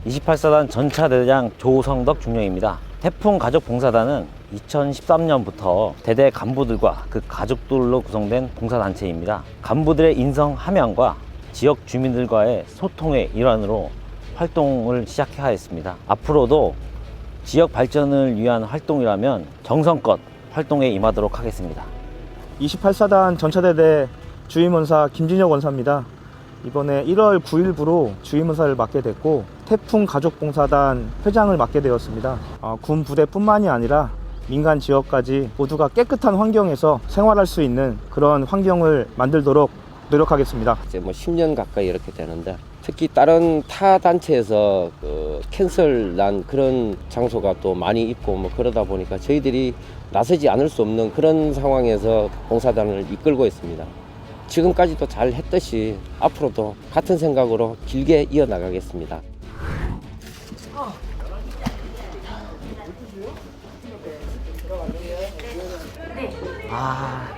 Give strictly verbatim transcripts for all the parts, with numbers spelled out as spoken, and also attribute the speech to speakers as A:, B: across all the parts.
A: 이십팔 사단 전차대장 조성덕 중령입니다. 태풍 가족봉사단은 이천십삼 년부터 대대 간부들과 그 가족들로 구성된 봉사단체입니다. 간부들의 인성 함양과 지역 주민들과의 소통의 일환으로 활동을 시작하였습니다. 앞으로도 지역 발전을 위한 활동이라면 정성껏 활동에 임하도록 하겠습니다.
B: 이십팔 사단 전차대대 주임원사 김진혁 원사입니다. 이번에 일월 구일부로 주임원사를 맡게 됐고 태풍 가족봉사단 회장을 맡게 되었습니다. 어, 군 부대뿐만이 아니라 민간 지역까지 모두가 깨끗한 환경에서 생활할 수 있는 그런 환경을 만들도록 노력하겠습니다.
C: 이제 뭐 십 년 가까이 이렇게 되는데 특히 다른 타 단체에서 그 캔슬 난 그런 장소가 또 많이 있고 뭐 그러다 보니까 저희들이 나서지 않을 수 없는 그런 상황에서 봉사단을 이끌고 있습니다. 지금까지도 잘 했듯이 앞으로도 같은 생각으로 길게 이어나가겠습니다.
A: 아,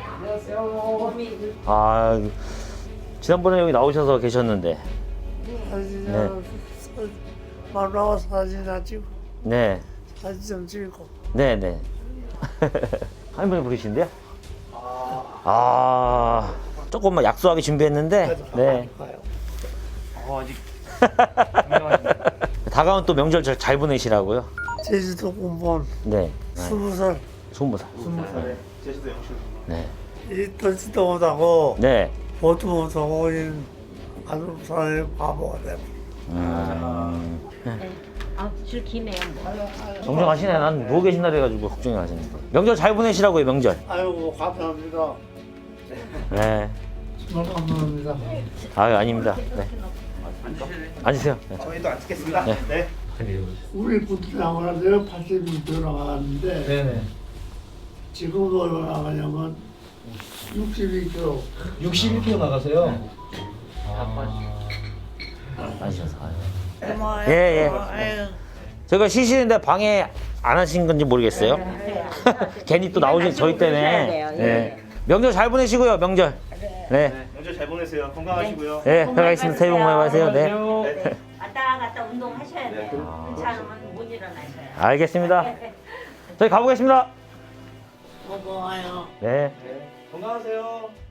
A: 아 지난번에 여기 나오셔서 계셨는데.
D: 사진
A: 네.
D: 만나고 사진이나 찍고
A: 네,
D: 사진 좀 찍고.
A: 네, 네. 할머니 부르신데요? 아, 조금만 약소하게 준비했는데. 네.
B: 어, 아직
A: 다가온 또 명절 잘, 잘 보내시라고요.
D: 제주도 공무원
A: 네.
D: 스무 살.
A: 스무 살.
B: 스무 살에 제주도 영출.
A: 네.
D: 이 듣지도 못하고
A: 네.
D: 보도 못하고 아주 사람이 바보가 돼.
A: 음.
E: 아, 줄 기네요.
A: 정정하시네. 난 누워 계신다 그래가지고 걱정이 하시는데. 명절 잘 보내시라고요, 명절.
D: 아이고 감사합니다.
A: 네.
D: 정말 감사합니다.
A: 아유, 아닙니다. 네. 앉으세요. 네.
B: 저희도 안 찍겠습니다.
A: 네.
B: 네.
D: 우리 부트랑은 내가 팔십 년 나가는데
B: 네네.
D: 지금 얼마 나가냐면 육십이 킬로그램.
B: 육십일 킬로그램 나가세요.
A: 앉으셔서. 아유.
D: 고마워요.
A: 예, 예.
D: 아유.
A: 제가 쉬시는데 방해 안 하신 건지 모르겠어요. 괜히 또 나오신 저희 때문에. 네. 명절 잘 보내시고요, 명절. 네.
B: 명절 잘 보내세요. 건강하시고요.
A: 네, 들어가겠습니다. 새해 복 많이 받으세요. 네.
E: 왔다 갔다 운동하셔야 돼요. 그렇지 않으면 못 일어나셔요.
A: 알겠습니다. 저희 가보겠습니다.
D: 고마워요.
A: 네.
B: 건강하세요.